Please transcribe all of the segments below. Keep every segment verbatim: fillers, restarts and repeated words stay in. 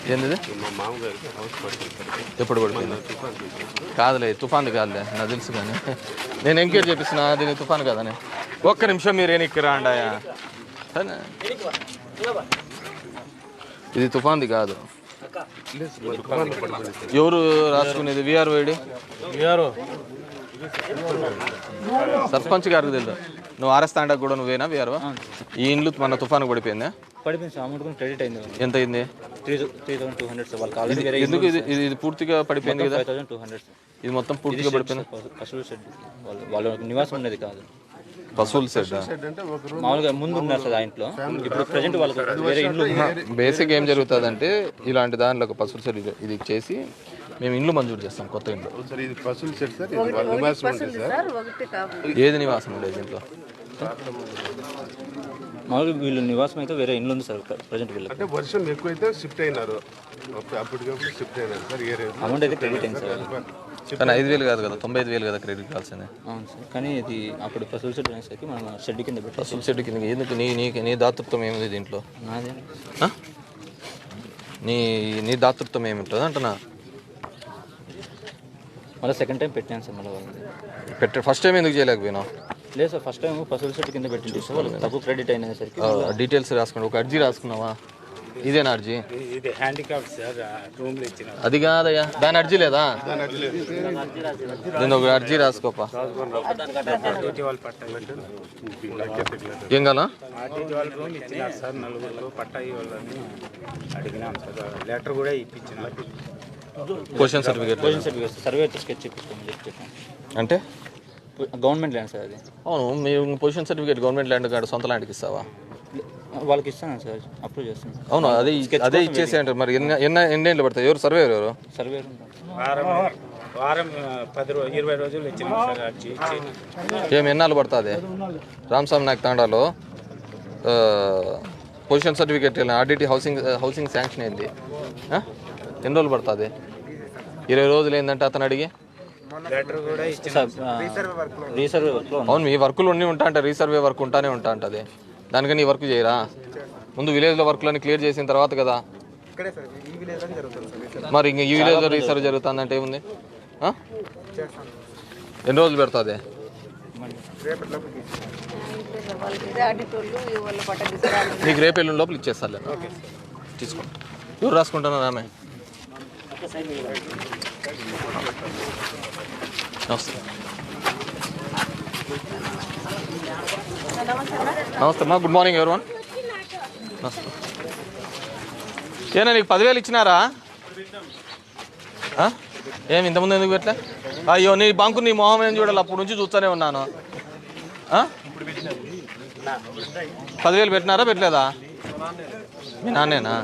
ఏంది ఎప్పుడు పడిపోయింది? కాదులే తుఫాన్ కాదులే నాకు తెలుసు కానీ నేను ఎంక్వైరీ చేపిస్తున్నా దీని తుఫాన్ కాదని. ఒక్క నిమిషం మీరు ఏనికి రాండాయా, ఇది తుఫాన్ది కాదు. ఎవరు రాసుకునేది? విఆర్ వైడి సర్పంచ్ గారికి తెలుసు. నువ్వు ఆర్ఎస్ కూడా నువ్వేనా విఆర్ఓ? ఈ ఇండ్లు మన తుఫాను పడిపోయిందా? పడిపోయింది. అమౌంట్ కూడా క్రెడిట్ అయింది. ఎంత అయింది? Three three thousand two hundred వాళ్ళకి. ఎందుకు ఇది ఇది పూర్తిగా పడిపోయింది కదా? ఫైవ్ థౌసండ్ టూ హండ్రెడ్ ఇది మొత్తం పూర్తిగా పడిపోయింది. పశువుల షెడ్ వాళ్ళు వాళ్ళ నివాసం ఉండేది కాదు. పశువుల షెడ్ మామూలుగా ముందు ఉన్నారు సార్ ఆ ఇంట్లో. ఇప్పుడు ప్రజెంట్ వాళ్ళకి వేరే ఇంట్లో. బేసిక్ ఏం జరుగుతుంది అంటే ఇలాంటి దానిలో ఒక పశువుల షెడ్ ఇది చేసి మేము ఇండ్లు మంజూరు చేస్తాం. కొత్త ఇంట్లో ఏది నివాసం ఉండేది ఇంట్లో? మామూలుగా వీళ్ళు నివాసం అయితే వేరే ఇండ్లు ఉంది సార్ ప్రజెంట్ వీళ్ళు. అంటే వర్షం ఎక్కువైతే షిఫ్ట్ అయినారు, అప్పటికప్పుడు షిఫ్ట్ అయినారు సార్. అమౌంట్ అయితే క్రెడిట్ అయింది సార్. కానీ ఐదు వేలు కాదు కదా, తొంభై ఐదు వేలు కదా క్రెడిట్ కావాల్సిందే. అవును సార్. కానీ ఇది అప్పుడు పశువుల షెడ్ అనేసరికి మనం షెడ్ కింద పెట్టి పశువుల షెడ్ కింద ఎందుకు? నీ నీ నీ దాతృత్వం ఏమిది దీంట్లో? నాదే. నీ నీ దాతృత్వం ఏమింటుంది అంటున్నా? మళ్ళీ సెకండ్ టైం పెట్టాను సార్. మళ్ళీ వాళ్ళకి పెట్ట ఫస్ట్ టైం ఎందుకు చేయలేకపోయినావు? లేదు సార్, ఫస్ట్ టైం పశువుల షెడ్ కింద పెట్టింది సార్. వాళ్ళకి తక్కువ క్రెడిట్ అయినసరికి డీటెయిల్స్ రాసుకున్నావు. ఒక అర్జీ రాసుకున్నావా? ఇదేనా అర్జీ? ఇది హ్యాండిక్యాప్ సార్, రూమ్ లో ఇచ్చిన. అది కాదయ్యా, దాని అర్జీ లేదా? నేను ఒక అర్జీ రాసుకోపా. ఏం కాలా? రూమ్ ఇచ్చినారు సార్ నలుగురు పట్టా ఇవ్వాలని అడిగినాం సార్. లెటర్ కూడా ఇప్పించిన. Possession certificate possession certificate survey sketch ఇప్పించుకోమని చెప్పి చెప్పాను. అంటే గవర్నమెంట్ ల్యాండ్ సార్ అది. అవును, మీరు పొజిషన్ సర్టిఫికేట్ గవర్నమెంట్ ల్యాండ్ కాదు, సొంత ల్యాండ్కి ఇస్తావా? వాళ్ళకి ఇస్తాను సార్, అప్రూవ్ చేస్తాను. అవును, అదే అదే ఇచ్చేసి అంటారు. మరి ఎన్ని ఎన్న ఎన్ని ఏళ్ళు పడతాయి? ఎవరు సర్వేయర్? ఎవరు సర్వేయర్? వారం వారం పది రోజు ఇరవై రోజులు ఇచ్చిన సార్ అర్జీ ఇచ్చి. ఏమి ఎన్నాళ్ళు పడుతుంది? రామస్వామి నాయక్ తాండాలో possession certificate RDT housing housing sanction అయింది. ఎన్ని రోజులు పడుతుంది? ఇరవై రోజులు ఏంటంటే అతను అడిగి లెటర్ కూడా ఇచ్చిన. రీసర్వే వర్క్లో. అవును, మీ వర్కులు అన్నీ ఉంటా అంటే రీసర్వే వర్క్ ఉంటానే ఉంటా ఉంటుంది. దానికని ఈ వర్క్ చేయరా? ముందు విలేజ్లో వర్క్లన్నీ క్లియర్ చేసిన తర్వాత కదా. మరి ఇంక ఈ విలేజ్లో రీసర్వే జరుగుతుందంటే ఏముంది? ఎన్ని రోజులు పెడుతుంది? నీకు రేపు ఎల్లుండి లోపల ఇచ్చేస్తాలే, తీసుకోండి. ఎవరు రాసుకుంటున్నారు? ఆమె నమస్తే. నమస్తే అమ్మా, గుడ్ మార్నింగ్ ఎవరివన్. నమస్తే. ఏనా నీకు పదివేలు ఇచ్చినారా? ఏమి ఇంతకుముందు ఎందుకు పెట్టలే? అయ్యో, నీ బంకు నీ మొహం ఏం చూడాలి, అప్పటి నుంచి చూస్తూనే ఉన్నాను. పదివేలు పెట్టినారా పెట్టలేదా? మీ నాన్నేనా?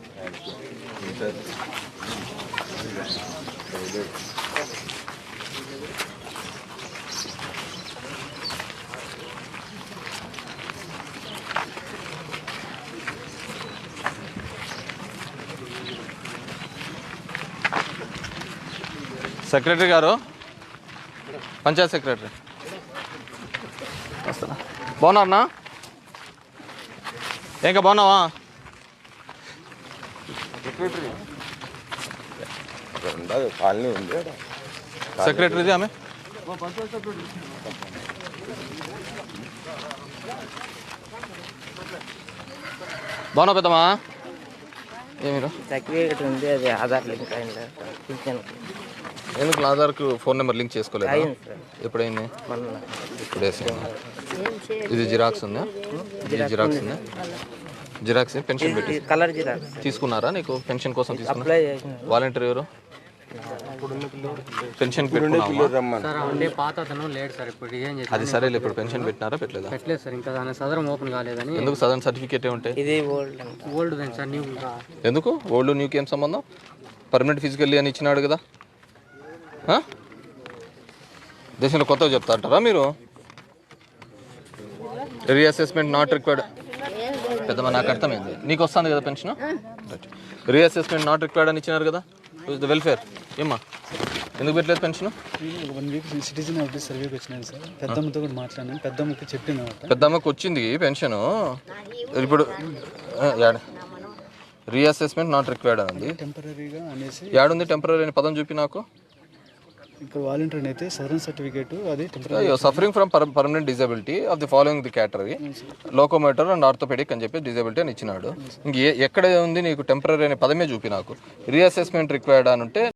సెక్రటరీ గారు, పంచాయత్ సెక్రటరీ వస్తానా? బాగున్నారన్నా? ఇంకా బాగున్నావా? సెక్రటరీది ఆమె. బాగున్నా పెద్దమ్మా? ఏమి సర్టిఫికేట్ ఉంది, అది ఆధార్ లింక్ అయింది. ఎందుకు ఆధార్కు ఫోన్ నెంబర్ లింక్ చేసుకోలేదు? ఎప్పుడైంది? ఇప్పుడు ఇది జిరాక్స్ ఉందా? ఇది జిరాక్స్ ఉందా? జిరాక్స్ పెన్షన్ పెట్టి కలర్ జిరాక్స్ తీసుకున్నారా? నీకు పెన్షన్ కోసం తీసుకున్నా? వాలంటీర్ ఎవరు? పెన్షన్ అది సరే. ఇప్పుడు పెన్షన్ పెట్టినారా పెట్టలేదా? పెట్టలేదు సార్, ఇంకా దాని సదరం ఓపెన్ కాలేదని. ఎందుకు సదరన్ సర్టిఫికేట్ ఉంటాయి? ఇది ఓల్డ్ ఓల్డ్ సార్, న్యూ. ఎందుకు ఓల్డ్ న్యూకి ఏం సంబంధం? పర్మనెంట్ ఫిజికల్లీ అని ఇచ్చినాడు కదా. దేశంలో కొత్తగా చెప్తా అంటారా మీరు? Reassessment not required. పెద్దమ్మ నాకు అర్థమైంది. నీకు వస్తుంది కదా పెన్షన్? రీఅసెస్మెంట్ నాట్ రిక్వైర్డ్ అని ఇచ్చినారు కదా. వెల్ఫేర్ ఏమ్మా ఎందుకు పెట్టలేదు pension? One week citizen office సర్వేకి వచ్చినాను సార్. పెద్దమ్మతో కూడా మాట్లాడినాను. పెద్దమ్మకి చెప్పిన పెద్దమ్మకి వచ్చింది పెన్షన్. ఇప్పుడు రీఅసెస్మెంట్ నాట్ రిక్వైర్డ్ అని ఉంది. టెంపరీగా అనేసి యాడుంది టెంపరీ అనే పదం చూపి నాకు. ఇక్కడ వాలంటీర్ అయితే సదరన్ సర్టిఫికేట్ అది టెంపరీ అయ్యో suffering from permanent disability of the following the category locomotor and orthopedic అని చెప్పి డిజబిలిటీ అని ఇచ్చినాడు. ఇంక ఏ- ఎక్కడ ఉంది నీకు టెంపరీ అనే పదమే చూపి నాకు. రీఅసెస్మెంట్ రిక్వైర్డ్ అని ఉంటే